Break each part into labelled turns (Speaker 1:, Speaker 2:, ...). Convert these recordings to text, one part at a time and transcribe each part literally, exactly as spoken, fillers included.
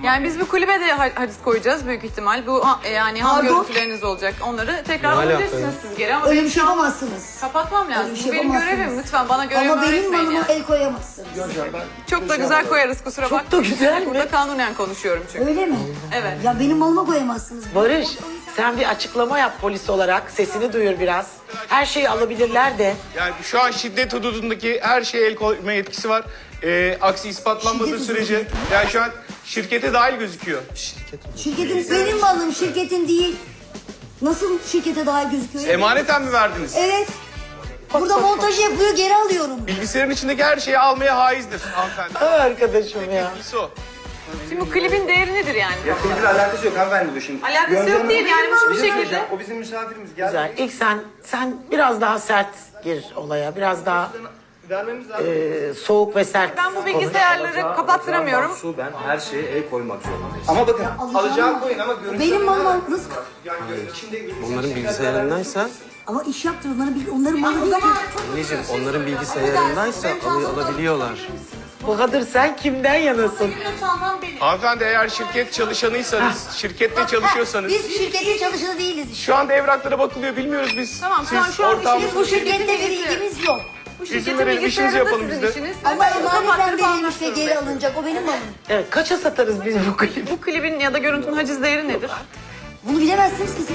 Speaker 1: Yani biz bu kulübe de ha- haciz koyacağız büyük ihtimal. Bu ha- yani ham
Speaker 2: Pardon?
Speaker 1: görüntüleriniz olacak. Onları tekrar
Speaker 3: Ne alaka
Speaker 1: alabilirsiniz
Speaker 3: ya?
Speaker 1: siz geri ama
Speaker 2: Öyle
Speaker 1: benim
Speaker 2: bir şey
Speaker 1: şu an
Speaker 2: yapamazsınız.
Speaker 1: kapatmam lazım.
Speaker 2: Öyle bir
Speaker 1: Bu
Speaker 2: şey
Speaker 1: benim
Speaker 2: yapamazsınız.
Speaker 1: görevim. Lütfen bana görevimi
Speaker 2: Ama benim
Speaker 1: öğretmeyin
Speaker 2: malıma
Speaker 1: yani.
Speaker 2: el koyamazsınız.
Speaker 1: Çok da güzel koyarız kusura bakmayın.
Speaker 4: Çok da güzel mi?
Speaker 1: Burada kanunen konuşuyorum çünkü.
Speaker 2: Öyle mi?
Speaker 1: Evet.
Speaker 2: Ya benim malıma koyamazsınız.
Speaker 4: Barış, sen bir açıklama yap polis olarak. Sesini duyur biraz. Her şeyi alabilirler de.
Speaker 5: Yani şu an şiddet hududundaki her şeye el koyma yetkisi var. Ee, aksi ispatlanmadığı
Speaker 2: Şiddet
Speaker 5: sürece yani şu an şirkete dahil gözüküyor.
Speaker 2: Şirketin benim malım, şirketin değil. Nasıl şirkete daha gözüküyor?
Speaker 5: Emaneten mi verdiniz?
Speaker 2: Evet. Burada montaj yapıyor, geri alıyorum.
Speaker 5: Bilgisayarın içindeki her şeyi almaya haizdir hanımefendi.
Speaker 4: Ay arkadaşım ya.
Speaker 5: Birisi o.
Speaker 1: Şimdi bu klibin değeri nedir yani?
Speaker 6: Yakınıyla alakası yok hanımefendi bu şimdi.
Speaker 1: Alakası yok değil yani bu bir şekilde.
Speaker 6: O bizim misafirimiz. Gel.
Speaker 4: Güzel. İlk sen, sen biraz daha sert gir olaya. Biraz daha
Speaker 6: Vermemiz lazım.
Speaker 4: e, soğuk ve sert.
Speaker 1: Ben bu bilgisayarları kapattıramıyorum.
Speaker 7: Su, ben her şeye el koymak zorundayım.
Speaker 6: Ama bakın
Speaker 2: Alacağım
Speaker 6: alacağım
Speaker 2: ama-
Speaker 6: koyun ama görüntü.
Speaker 2: Benim malım nasıl?
Speaker 6: Yani gö- içinde
Speaker 3: Onların bilgisayarındaysa,
Speaker 2: Ama iş yaptır, onların, bil- onların malı değil ki.
Speaker 3: anneciğim onların bilgisayarındaysa al- alabiliyorlar.
Speaker 4: Bahadır sen kimden yanasın?
Speaker 5: Hanımefendi eğer şirket çalışanıysanız, şirkette çalışıyorsanız
Speaker 2: Biz şirketin çalışanı değiliz işte.
Speaker 5: şu anda evraklara bakılıyor bilmiyoruz biz.
Speaker 1: Tamam, şu an-
Speaker 5: Siz
Speaker 1: şu an
Speaker 5: ortağımız-
Speaker 1: işiniz
Speaker 2: Bu şirkette bir ilgimiz yok.
Speaker 1: Bu
Speaker 5: İzin
Speaker 1: şirketin
Speaker 5: verelim, işimizi
Speaker 1: bilgisayarı da
Speaker 5: yapalım
Speaker 1: sizin
Speaker 5: biz de.
Speaker 1: işiniz.
Speaker 2: Ama
Speaker 1: Ben bunu
Speaker 2: emanetten
Speaker 1: kapattırıp
Speaker 2: verilmiş
Speaker 1: almak
Speaker 2: ve geri
Speaker 1: zorundayım.
Speaker 2: alınacak. O benim malım.
Speaker 4: Evet, kaça satarız biz bu klibi?
Speaker 1: Bu klibin ya da görüntünün haciz değeri nedir?
Speaker 2: Bunu bilemezsiniz ki siz.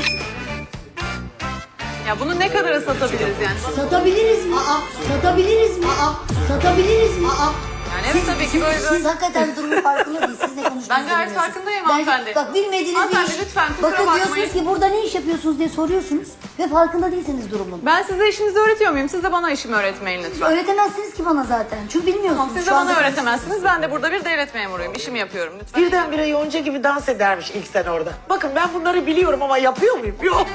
Speaker 1: Ya bunu ne kadara satabiliriz yani?
Speaker 2: Satabiliriz mi? Aa, satabiliriz mi? Aa, satabiliriz mi? Aa.
Speaker 1: Yani evet tabii ki böyle
Speaker 2: Siz
Speaker 1: böyle.
Speaker 2: hakikaten durumun farkında değil. Siz ne konuştuğunuzu
Speaker 1: Ben gayet
Speaker 2: bilmiyorsunuz.
Speaker 1: farkındayım
Speaker 2: Ben-
Speaker 1: hanımefendi.
Speaker 2: Bak bilmediğiniz bir
Speaker 1: Hanımefendi,
Speaker 2: iş.
Speaker 1: lütfen, kusura
Speaker 2: Bakın
Speaker 1: bakmayın.
Speaker 2: diyorsunuz ki burada ne iş yapıyorsunuz diye soruyorsunuz. Ve farkında değilsiniz durumun.
Speaker 1: Ben size işinizi öğretiyor muyum? Siz de bana işimi öğretmeyin lütfen.
Speaker 2: Öğretemezsiniz ki bana zaten. Çünkü bilmiyorsunuz.
Speaker 1: Tamam, siz de
Speaker 2: Şu anda-
Speaker 1: bana öğretemezsiniz. Ben de burada bir devlet memuruyum. İşimi yapıyorum lütfen.
Speaker 4: Birdenbire yonca gibi dans edermiş ilk sen orada. Bakın ben bunları biliyorum ama yapıyor muyum? Yok.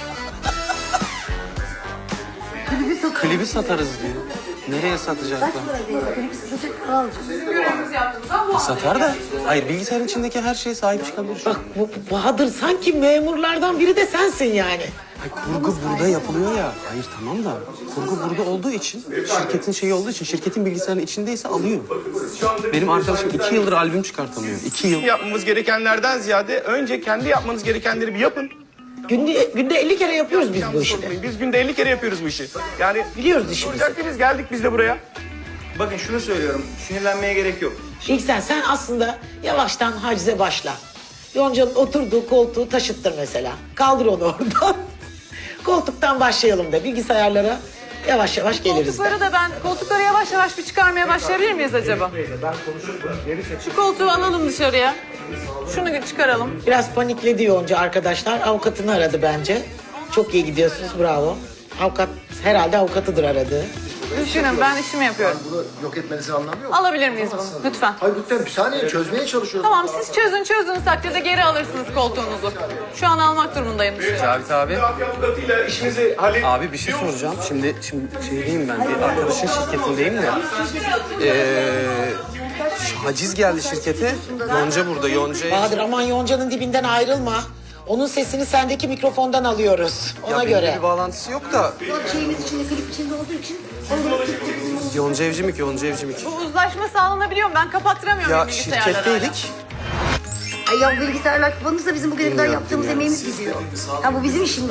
Speaker 3: Klibi satarız diyor. Nereye
Speaker 2: Kaç
Speaker 3: satacaklar?
Speaker 2: para veriyor? Klibi satacak para alacağız.
Speaker 1: Görevimizi yaptığımızda bu
Speaker 3: Satar da. Hayır bilgisayarın içindeki her şeye sahip çıkabilir.
Speaker 4: Bak bu Bahadır sanki memurlardan biri de sensin yani.
Speaker 3: Ay, kurgu burada yapılıyor ya. Hayır tamam da kurgu burada olduğu için, şirketin şeyi olduğu için, şirketin bilgisayarının içindeyse alıyor. Benim arkadaşım iki yıldır albüm çıkartamıyor. İki yıl.
Speaker 5: Yapmamız gerekenlerden ziyade önce kendi yapmanız gerekenleri bir yapın.
Speaker 4: Günde, günde elli kere yapıyoruz biz bu işi.
Speaker 5: Biz günde elli kere yapıyoruz bu işi. Yani
Speaker 4: Biliyoruz işimizi.
Speaker 5: olacak biz geldik biz de buraya.
Speaker 6: Bakın şunu söylüyorum. Sinirlenmeye gerek yok.
Speaker 4: İlk sen, sen aslında yavaştan hacize başla. Yonca'nın oturduğu koltuğu taşıttır mesela. Kaldır onu oradan. Koltuktan başlayalım da bilgisayarlara yavaş yavaş geliriz de.
Speaker 1: koltukları da ben koltukları yavaş yavaş bir çıkarmaya başlayabilir miyiz acaba? Şu koltuğu alalım dışarıya. Şunu çıkaralım.
Speaker 4: Biraz panikledi Yonca arkadaşlar. Avukatını aradı bence. Çok iyi gidiyorsunuz, bravo. Avukat, herhalde avukatıdır aradığı.
Speaker 1: Düşünün ben işimi yapıyorum.
Speaker 8: Bunu yok etmenizin anlamı yok.
Speaker 1: Alabilir miyiz bunu lütfen?
Speaker 8: Hayır lütfen bir saniye çözmeye çalışıyoruz.
Speaker 1: Tamam siz çözün çözdüğünüz takdirde geri alırsınız koltuğunuzu. Şu an almak durumundayım dışarı.
Speaker 3: Cavit abi.
Speaker 5: Mafya avukatıyla işimizi hallet.
Speaker 3: Abi bir şey soracağım. Şimdi şimdi şeydeyim ben. Bir arkadaşın şirketindeyim de. Ee, haciz geldi şirkete. Yonca burada. Yonca.
Speaker 4: Bahadır aman Yonca'nın dibinden ayrılma. Onun sesini sendeki mikrofondan alıyoruz. Ona
Speaker 3: Ya benimle
Speaker 4: göre.
Speaker 3: bir bağlantısı yok da.
Speaker 2: Şeyimiz içinde, klip içinde olduğu için.
Speaker 3: Yonca Evcimik, Yonca Evcimik.
Speaker 1: Bu uzlaşma sağlanabiliyor mu? Ben kapattıramıyorum
Speaker 3: Ya
Speaker 1: bilgisayarları.
Speaker 3: şirketteydik.
Speaker 2: Ay ya bilgisayarlar kapanırsa bizim bugüne kadar yaptığımız emeğimiz gidiyor. Ya bu bizim işimiz.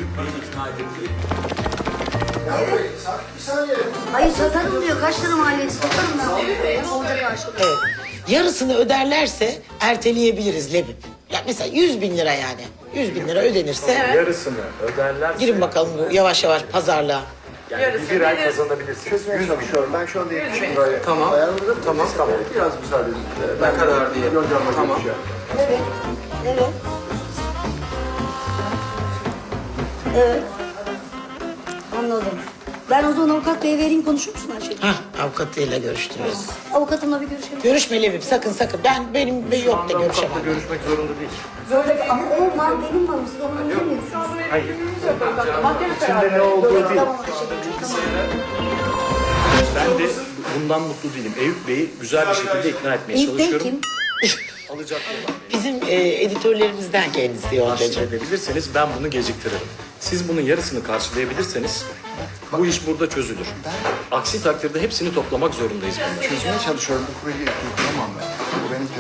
Speaker 8: Bir saniye.
Speaker 2: Hayır satarım diyor. Kaç tane maliyeti satarım ben. Olacak karşılık.
Speaker 4: Evet. Yarısını öderlerse erteleyebiliriz Lebip. Ya mesela yüz bin lira yani. Yüz bin lira ödenirse
Speaker 7: Yarısını öderlerse
Speaker 4: girin bakalım bu yavaş yavaş pazarlığa.
Speaker 7: yani bir ay kazanabilirsiniz.
Speaker 8: Çözmeye çalışıyorum. Ben şu anda yetmiş bin liraya
Speaker 3: Tamam.
Speaker 8: ayarladım.
Speaker 3: Tamam.
Speaker 8: Tamam. Biraz müsaade edin. Ben
Speaker 3: Ne kadar diye.
Speaker 8: Yoncamla
Speaker 3: Tamam.
Speaker 8: görüşeceğim.
Speaker 2: Evet. Evet. Evet. Anladım. Ben o zaman avukat beye vereyim, konuşur musun her şeyi?
Speaker 4: Hah, avukatıyla görüştürüyoruz.
Speaker 2: Avukatımla bir görüşelim.
Speaker 4: Görüşme Lebip, sakın sakın. Ben benim ve yok da görüşemem.
Speaker 7: Görüşmek zorunda değil.
Speaker 2: Böyle ama o mal benim malım. Siz onu anlayamıyorsunuz.
Speaker 7: İçinde ne olduğu değil.
Speaker 2: Tamam, teşekkür ederim.
Speaker 7: Ben de bundan mutlu değilim. Eyüp Bey'i güzel bir şekilde ikna etmeye
Speaker 2: İlk Bey
Speaker 7: çalışıyorum.
Speaker 2: kim?
Speaker 7: Alacak
Speaker 4: Bizim e, editörlerimizden kendisi Yonca'cığım.
Speaker 7: edebilirseniz ben bunu geciktiririm. Siz bunun yarısını karşılayabilirseniz bu iş burada çözülür. Aksi takdirde hepsini toplamak zorundayız bunları.
Speaker 8: Çözmeye çalışıyorum. Bu kurayı tutturamam ben. Bu benim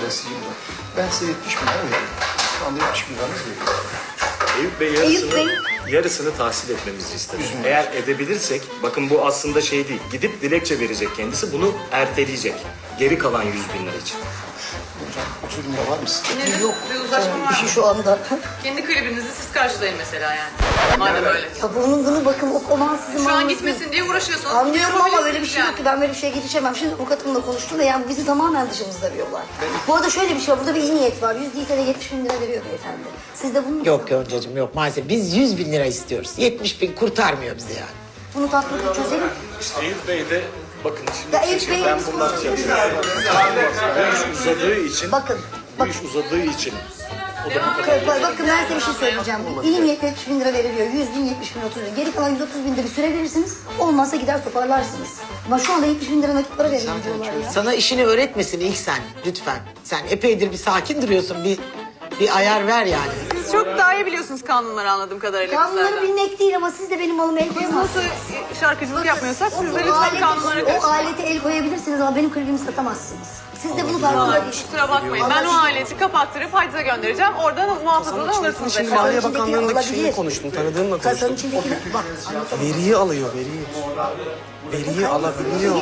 Speaker 8: sileyim de. Ben size yetmiş bin lira veriyorum. Şu anda yetmiş bin liranız veriyorum.
Speaker 7: Eyüp Bey
Speaker 2: Eyüp
Speaker 7: yarısını,
Speaker 2: Bey.
Speaker 7: yarısını tahsil etmemizi istedi. Eğer edebilirsek, bakın bu aslında şey değil, gidip dilekçe verecek kendisi, bunu erteleyecek. Geri kalan yüz bin lira için.
Speaker 8: Hocam otuz bin lira var mı sizde?
Speaker 1: Yine de bir uzlaşma var
Speaker 2: Bir şey
Speaker 1: mı?
Speaker 2: şu anda.
Speaker 1: Kendi klibinizi siz karşılayın mesela yani. Madem öyle.
Speaker 2: Ya bunun bunu bakın o zaman sizin
Speaker 1: Şu an
Speaker 2: malınız
Speaker 1: gitmesin diye uğraşıyorsunuz.
Speaker 2: Anlıyorum ama böyle bir şey
Speaker 1: Yani.
Speaker 2: yok ki. Ben böyle bir şeye girişemem. Şimdi avukatımla konuştum da yani bizi tamamen dışımızda bir olay. Bu arada şöyle bir şey var. Burada bir iyi niyet var. Yüz değilse de yetmiş bin lira veriyor beyefendi. Siz de bunu...
Speaker 4: Yok Yonca'cığım yok maalesef. Biz yüz bin lira istiyoruz. yetmiş bin kurtarmıyor bizi yani.
Speaker 2: Bunu tatlı çözelim.
Speaker 7: İşte Eyüp Bey de, bakın
Speaker 2: Ya
Speaker 7: şimdi
Speaker 2: Eyüp Bey,
Speaker 7: ben
Speaker 2: biz
Speaker 7: bundan
Speaker 2: konuşuyoruz.
Speaker 7: bu iş uzadığı için,
Speaker 2: Bakın.
Speaker 7: bu iş uzadığı için o da bu kadar.
Speaker 2: Bakın, bakın ben size bir şey söyleyeceğim. İyi niyetle yetmiş bin lira veriliyor. Yüz bin, yetmiş bin, otuz bin. Geri kalan yüz otuz bin de bir süre verirsiniz. Olmazsa gider toparlarsınız. Ama şu anda yetmiş bin lira nakit para verelim diyorlar ya.
Speaker 4: Sana işini öğretmesin ilk sen lütfen. Sen epeydir bir sakin duruyorsun. Bir bir ayar ver yani.
Speaker 1: Siz çok daha iyi biliyorsunuz kanunları anladığım kadarıyla.
Speaker 2: Kanunları
Speaker 1: bizlerden.
Speaker 2: bilmek değil ama siz de benim malıma el
Speaker 1: Biz
Speaker 2: koyamazsınız.
Speaker 1: nasıl şarkıcılık yapmıyorsak siz de
Speaker 2: O
Speaker 1: lütfen
Speaker 2: aleti-
Speaker 1: kanunlara
Speaker 2: O
Speaker 1: karışın.
Speaker 2: alete el koyabilirsiniz ama benim klibimi satamazsınız. Siz de bunu farkında
Speaker 1: Vallahi
Speaker 2: değil.
Speaker 1: kusura bakmayın. Ben o aleti kapattırıp hacize göndereceğim. Oradan muhafazadan alırsınız.
Speaker 3: Şimdi
Speaker 1: efendim.
Speaker 3: Maliye
Speaker 2: içindeki
Speaker 3: Bakanlığı'ndaki
Speaker 2: olabilir.
Speaker 3: şeyle konuştum, tanıdığımla
Speaker 2: Kasanın
Speaker 3: konuştum.
Speaker 2: içindeki... Bak anlatamam.
Speaker 3: Veriyi alıyor, veriyi. Veriyi alabiliyor.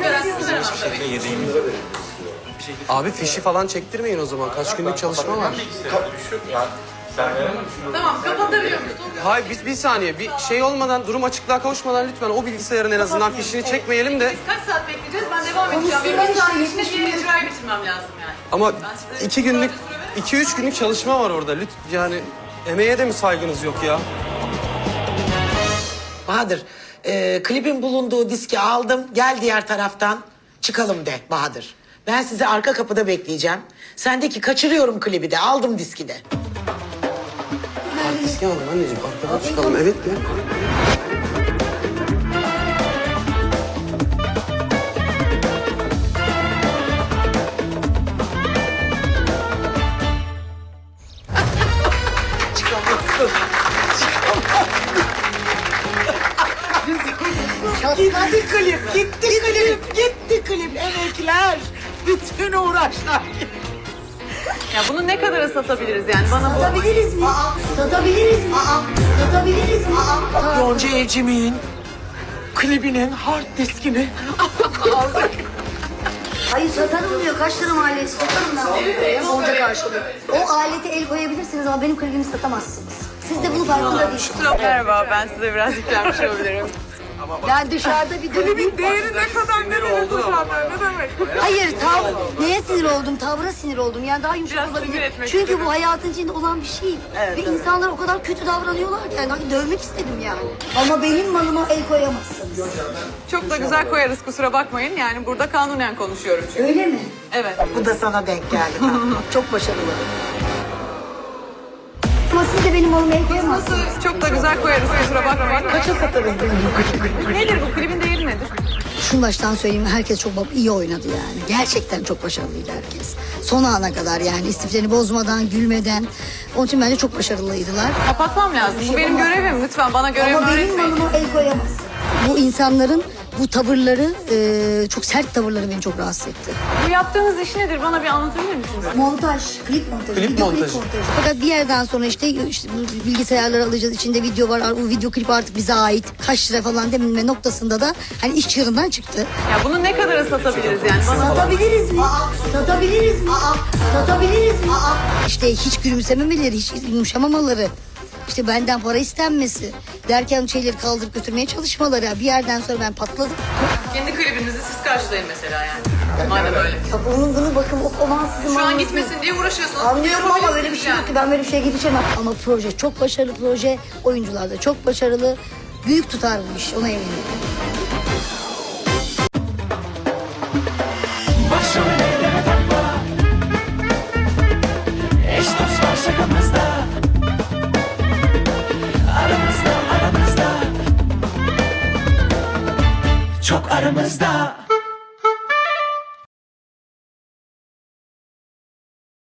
Speaker 3: Abi fişi falan çektirmeyin o zaman. Kaç günlük çalışma var.
Speaker 1: Tamam kapatabiliyor muyuz?
Speaker 3: Hayır biz bir saniye bir şey olmadan, durum açıklığa kavuşmadan lütfen o bilgisayarın en azından fişini çekmeyelim de.
Speaker 1: Kaç saat bekleyeceğiz? Ben devam edeceğim. Benim bir saat içinde diğer icrayı bitirmem lazım yani.
Speaker 3: Ama
Speaker 1: Ben size
Speaker 3: iki günlük,
Speaker 1: sadece süre veremem.
Speaker 3: iki üç günlük çalışma var orada. Lütfen yani emeğe de mi saygınız yok ya?
Speaker 4: Bahadır, e, klibin bulunduğu diski aldım. Gel diğer taraftan çıkalım de Bahadır. Ben sizi arka kapıda bekleyeceğim. Sendeki kaçırıyorum klibi de. Aldım diski de.
Speaker 3: Artist alalım anneciğim, arkadan çıkalım. Evet mi?
Speaker 4: Çıkamazsın. Gitti klip, gitti klip, gitti klip. Emekler, bütün uğraşlar.
Speaker 1: Ya bunu ne kadara satabiliriz yani? Bana bu...
Speaker 2: Satabiliriz mi? Satabiliriz mi? Satabiliriz mi?
Speaker 4: Yonca Evcimik'in klibinin hard diskini aldık.
Speaker 2: Hayır satarım diyor. Kaç lira maliyeti? Satarım ben. Evet, olacak karşılığı. O alete el koyabilirsiniz ama benim klibimi satamazsınız. Siz de bunu farkında değilsiniz.
Speaker 1: Merhaba, ben size biraz yüklenmiş olabilirim.
Speaker 2: Yani dışarıda bir klibin
Speaker 1: Değeri ne kadar ne demek hocam? Ne demek?
Speaker 2: Hayır, tav neye sinir oldum? Tavra sinir oldum. Yani daha yumuşak
Speaker 1: Biraz sinir
Speaker 2: olabilir.
Speaker 1: etmek
Speaker 2: Çünkü
Speaker 1: istedim.
Speaker 2: bu hayatın içinde olan bir şey. Ve insanlar o kadar kötü davranıyorlar ki. Yani hani dövmek istedim yani. Ama benim malıma el koyamazsınız.
Speaker 1: Çok da güzel koyarız kusura bakmayın. Yani burada kanunen konuşuyorum çünkü.
Speaker 2: Öyle mi?
Speaker 1: Evet.
Speaker 4: Bu da sana denk geldi.
Speaker 2: Çok başarılı. Ama siz de benim malıma el koyamazsınız.
Speaker 1: Çok da güzel koyarız kusura bakmayın.
Speaker 4: Kaça satarım
Speaker 1: Nedir bu klibin değeri nedir?
Speaker 2: Şunu baştan söyleyeyim, herkes çok iyi oynadı yani. Gerçekten çok başarılıydı herkes. Son ana kadar yani istiflerini bozmadan, gülmeden. Onun için bence çok başarılıydılar.
Speaker 1: Kapatmam lazım. Bu benim görevim. Lütfen bana görevimi
Speaker 2: Ama benim
Speaker 1: öğretmeyin.
Speaker 2: malıma el koyamazsın. Bu insanların bu tavırları, e, çok sert tavırları beni çok rahatsız etti.
Speaker 1: Bu yaptığınız iş nedir? Bana bir anlatabilir misiniz?
Speaker 2: Montaj, klip montajı,
Speaker 3: Klip
Speaker 2: video
Speaker 3: montajı.
Speaker 2: klip montajı. Fakat bir yerden sonra işte, işte bu bilgisayarları alacağız, içinde video var, o video klip artık bize ait, kaç lira falan deminme noktasında da hani iş çığırından çıktı.
Speaker 1: Ya bunu ne kadara satabiliriz yani? Bana
Speaker 2: Satabiliriz mi? Satabiliriz mi? Satabiliriz mi? İşte hiç gülümsememeleri, hiç yumuşamamaları, işte benden para istenmesi derken şeyleri kaldırıp götürmeye çalışmaları. Bir yerden sonra ben patladım.
Speaker 1: kendi klibinizi siz karşılayın mesela yani. Madem öyle.
Speaker 2: Ya bunun bunu bakın o zaman sizin
Speaker 1: Şu an
Speaker 2: malınız
Speaker 1: gitmesin diye uğraşıyorsunuz.
Speaker 2: Anlıyorum ama
Speaker 1: Yapabilirsiniz
Speaker 2: öyle bir şey
Speaker 1: yani.
Speaker 2: yok ki ben böyle bir şeye girişemem. Ama proje çok başarılı proje, oyuncular da çok başarılı. Büyük tutar bu iş, ona eminim.
Speaker 9: Başım elleme takma. Eş dost var şakamızda. Aramızda aramızda. Çok aramızda.